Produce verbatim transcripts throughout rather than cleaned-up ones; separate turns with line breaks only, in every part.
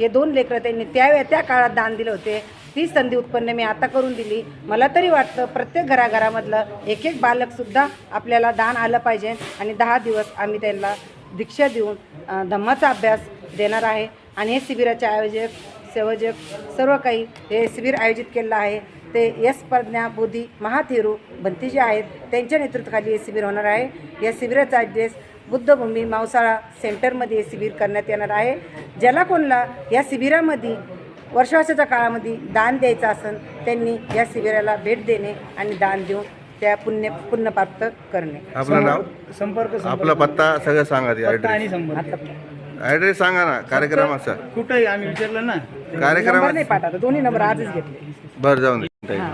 हे दोन लेकरं त्यांनी त्या त्या काळात दान दिले होते. ती संधी उत्पन्न मी आता करून दिली. मला तरी वाटतं प्रत्येक घराघरामधलं एक एक बालकसुद्धा आपल्याला दान आलं पाहिजे आणि दहा दिवस आम्ही त्यांना दीक्षा देऊन धम्माचा अभ्यास देणार आहे. आणि हे शिबिराचे आयोजक सेवजक सर्व काही हे शिबिर आयोजित केलेलं आहे. ते यश प्रज्ञा बोधी महाथेरू भंतीजी आहेत, त्यांच्या नेतृत्वाखाली हे शिबिर होणार आहे. या शिबिराचा ॲड्रेस बुद्धभूमी मावसाळा सेंटरमध्ये हे शिबिर करण्यात येणार आहे. ज्याला कोणाला या शिबिरामध्ये वर्षाच्या काळामध्ये दान द्यायचं असेल त्यांनी या शिबिराला भेट देणे आणि दान देऊन त्या पुण्य पुण्य प्राप्त करणे.
आपलं नाव,
संपर्क
आपला पत्ता सगळं सांगा. ते
पत्ता आणि
ॲड्रेस
संपर्क
ॲड्रेस सांगा ना कार्यक्रमाचा.
कुठंही आम्ही विचारलं ना.
नंबर
कार्यक्रमात
नाही पाठवता, दोन्ही नंबर आजच घेतले.
बरं जाऊन दे.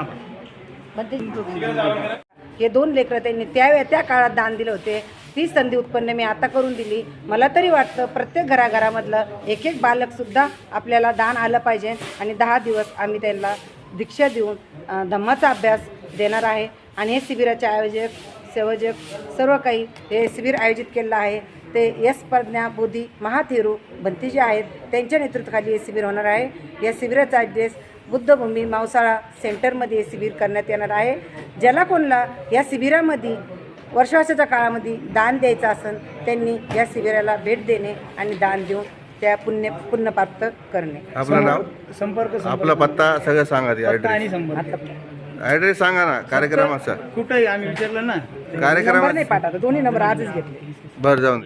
हे दोन लेकरं त्यांनी त्या त्या काळात दान दिले होते. ती संधी उत्पन्न मी आता करून दिली. मला तरी वाटतं प्रत्येक घराघरामधलं एक एक बालकसुद्धा आपल्याला दान आलं पाहिजे आणि दहा दिवस आम्ही त्यांना दीक्षा देऊन धम्माचा अभ्यास देणार आहे. आणि हे शिबिराचे आयोजक सेवजक सर्व काही हे शिबिर आयोजित केलेलं आहे. ते यश प्रज्ञा बोधी महाथेरू भंतीजी आहेत, त्यांच्या नेतृत्वाखाली हे शिबिर होणार आहे. या शिबिराचा ॲड्रेस बुद्धभूमी मावसाळा सेंटरमध्ये हे शिबिर करण्यात येणार आहे. ज्याला कोणाला या शिबिरामध्ये वर्षाच्या काळामध्ये दान द्यायचं असेल त्यांनी या शिबिराला भेट देणे आणि दान देऊन त्या पुण्य पुण्य प्राप्त करणे.
आपलं नाव,
संपर्क
आपला पत्ता सगळं सांगा. ते
पत्ता आणि
ॲड्रेस
संपर्क
ॲड्रेस सांगा ना कार्यक्रमाचा.
कुठंही आम्ही विचारलं ना.
नंबर
कार्यक्रमात
नाही पाठवता, दोन्ही नंबर आजच घेतले.
बरं जाऊन दे.